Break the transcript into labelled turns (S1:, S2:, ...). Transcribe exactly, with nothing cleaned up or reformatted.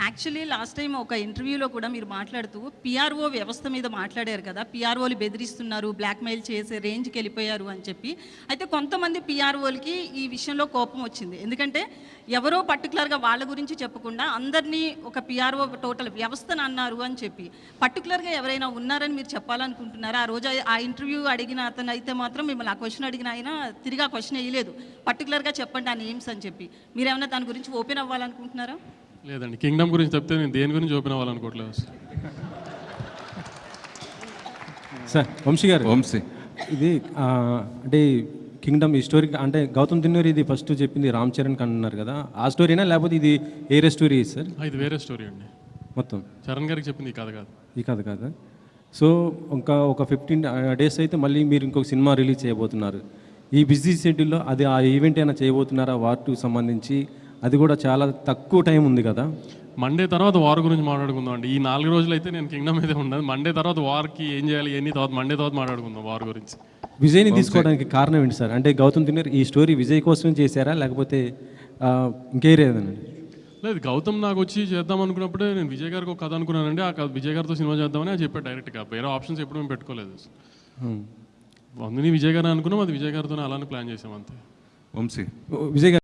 S1: Actually last time ఒక ఇంటర్వ్యూలో కూడా మీరు మాట్లాడుతూ పిఆర్ఓ వ్యవస్థ మీద మాట్లాడారు కదా, పిఆర్ఓలు బెదిరిస్తున్నారు, బ్లాక్మెయిల్ చేసే రేంజ్కి వెళ్ళిపోయారు అని చెప్పి. అయితే కొంతమంది పిఆర్ఓలకి ఈ విషయంలో కోపం వచ్చింది. ఎందుకంటే ఎవరో పర్టికులర్గా వాళ్ళ గురించి చెప్పకుండా అందరినీ ఒక పిఆర్ఓ టోటల్ వ్యవస్థను అన్నారు అని చెప్పి, పర్టికులర్గా ఎవరైనా ఉన్నారని మీరు చెప్పాలనుకుంటున్నారా? ఆ రోజు ఆ ఇంటర్వ్యూ అడిగిన అతను అయితే మాత్రం మిమ్మల్ని ఆ క్వశ్చన్ అడిగిన ఆయన తిరిగి ఆ క్వశ్చన్ వేయలేదు, పర్టికులర్గా చెప్పండి ఆ నేమ్స్ అని చెప్పి. మీరేమన్నా దాని గురించి ఓపెన్ అవ్వాలనుకుంటున్నారా?
S2: లేదండి, కింగ్డమ్ గురించి చెప్తే నేను దేని గురించి ఓపెన్ అవ్వాలనుకోవట్లేదు
S3: సార్. వంశీ గారు,
S4: వంశీ
S3: ఇది ఆ, అంటే కింగ్డమ్ ఈ స్టోరీ అంటే గౌతమ్ తిన్నూరి ఇది ఫస్ట్ చెప్పింది రామ్ చరణ్ అన్నారు కదా, ఆ స్టోరీనా లేకపోతే ఇది ఏరే స్టోరీ సార్?
S2: ఆ, ఇది వేరే స్టోరీ అండి.
S3: మొత్తం
S2: చరణ్ గారికి చెప్పింది ఈ కథ కాదు.
S3: ఈ కథ కాదా? సో ఇంకా ఒక ఫిఫ్టీన్ డేస్ అయితే మళ్ళీ మీరు ఇంకొక సినిమా రిలీజ్ చేయబోతున్నారు. ఈ బిజీ షెడ్యూల్లో అది ఆ ఈవెంట్ అయినా చేయబోతున్నారా వార్ టూకి సంబంధించి? అది కూడా చాలా తక్కువ టైం ఉంది కదా.
S2: మండే తర్వాత వార్ గురించి మాట్లాడుకుందాం అండి. ఈ నాలుగు రోజులు అయితే నేను కింగ్డమ్ మీద ఉండదు. మండే తర్వాత వార్కి ఏం చేయాలి ఎన్ని తర్వాత మండే తర్వాత మాట్లాడుకుందాం వార్ గురించి.
S3: విజయ్ని తీసుకోవడానికి కారణం ఏంటి సార్? అంటే గౌతమ్ తిన్నూరి ఈ స్టోరీ విజయ్ కోసం చేశారా లేకపోతే ఇంకేరేదనండి?
S2: లేదు, గౌతమ్ నాకు వచ్చి చేద్దాం అనుకున్నప్పుడే నేను విజయ్ గారికి ఒక కథ అనుకున్నానండి. ఆ కథ విజయ్ గారితో సినిమా చేద్దామని అది చెప్పాడు డైరెక్ట్గా. వేరే ఆప్షన్స్ ఎప్పుడు మేము పెట్టుకోలేదు. అందుని విజయ్ గారు అనుకున్నాం, అది విజయ్ గారితోనే అలానే ప్లాన్ చేసాం అంతే.
S4: వంశీ
S3: విజయ్ గారు